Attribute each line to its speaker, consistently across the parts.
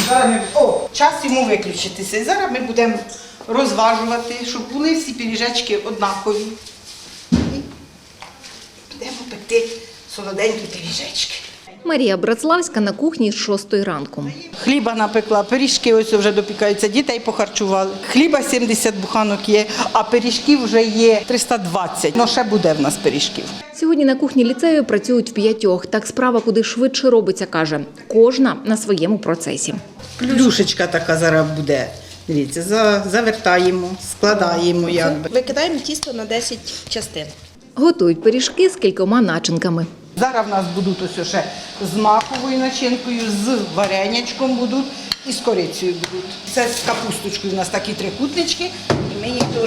Speaker 1: Зараз час йому виключитися. І зараз ми будемо розважувати, щоб були всі пиріжечки однакові. І будемо пекти солоденькі пиріжечки.
Speaker 2: Марія Братславська на кухні з 6 ранку.
Speaker 1: Хліба напекла, пиріжки ось вже допікаються, дітей похарчували. Хліба 70 буханок є, а пиріжків вже є 320. Ну, ще буде в нас пиріжків.
Speaker 2: Сьогодні на кухні ліцею працюють 5. Так справа куди швидше робиться, каже. Кожна на своєму процесі.
Speaker 1: Плюшечка така зараз буде. Дивіться, завертаємо, складаємо.
Speaker 3: Викидаємо тісто на 10 частин.
Speaker 2: Готують пиріжки з кількома начинками.
Speaker 1: Зараз в нас будуть ось ще з маковою начинкою, з варенячком будуть і з корицею будуть. Це з капусточкою у нас такі трикутнички, і ми їх теж.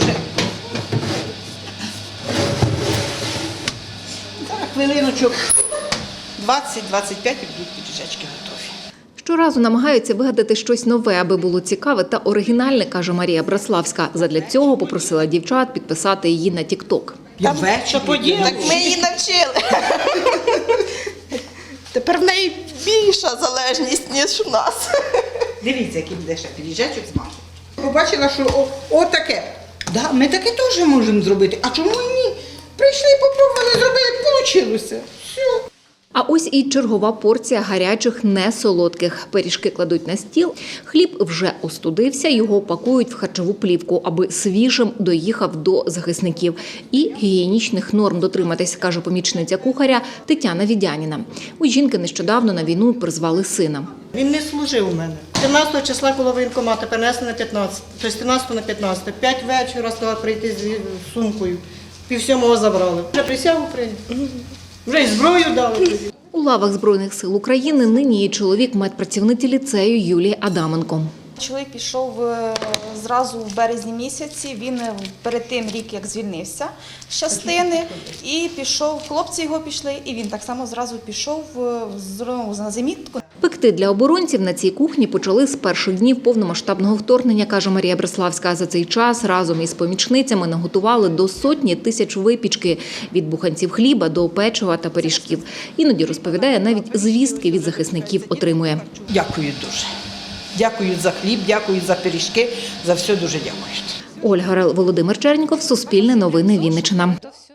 Speaker 1: Зараз хвилиночок 20-25 і будуть пиріжечки готові.
Speaker 2: Щоразу намагаються вигадати щось нове, аби було цікаве та оригінальне, каже Марія Братславська. Задля цього попросила дівчат підписати її на TikTok.
Speaker 1: Я ввечері.
Speaker 3: Так ми її навчили. Тепер в неї більша залежність, ніж у нас.
Speaker 1: Дивіться, який буде ще пиріжечок з маком. Побачила, що отаке. Да, ми таке теж можемо зробити. А чому ні? Прийшли, попробували, зробили, вийшло. Все.
Speaker 2: А ось і чергова порція гарячих, несолодких. Пиріжки кладуть на стіл, хліб вже остудився, його пакують в харчову плівку, аби свіжим доїхав до захисників. І гігієнічних норм дотриматись, каже помічниця кухаря Тетяна Відяніна. У жінки нещодавно на війну призвали сина.
Speaker 4: Він не служив у мене. 13 числа, коли воєнкомати перенесли на 15, тобто 13 на 15. 5 вечора сказали прийти з сумкою. 6:30 забрали. Вже присягу прийняли. Вже й зброю дали.
Speaker 2: У лавах Збройних сил України нині є чоловік медпрацівниці ліцею Юлії Адаменко.
Speaker 5: Чоловік пішов зразу в березні місяці, він перед тим рік як звільнився з частини і пішов, хлопці його пішли, і він так само зразу пішов на замітку.
Speaker 2: Пекти для оборонців на цій кухні почали з перших днів повномасштабного вторгнення, каже Марія Братславська. За цей час разом із помічницями наготували до 100 тисяч випічки – від буханців хліба до печива та пиріжків. Іноді, розповідає, навіть звістки від захисників отримує.
Speaker 1: Дякую дуже. Дякую за хліб, дякую за пиріжки, за все дуже дякую.
Speaker 2: Ольга Рел, Володимир Черніков, Суспільне новини, Вінниччина.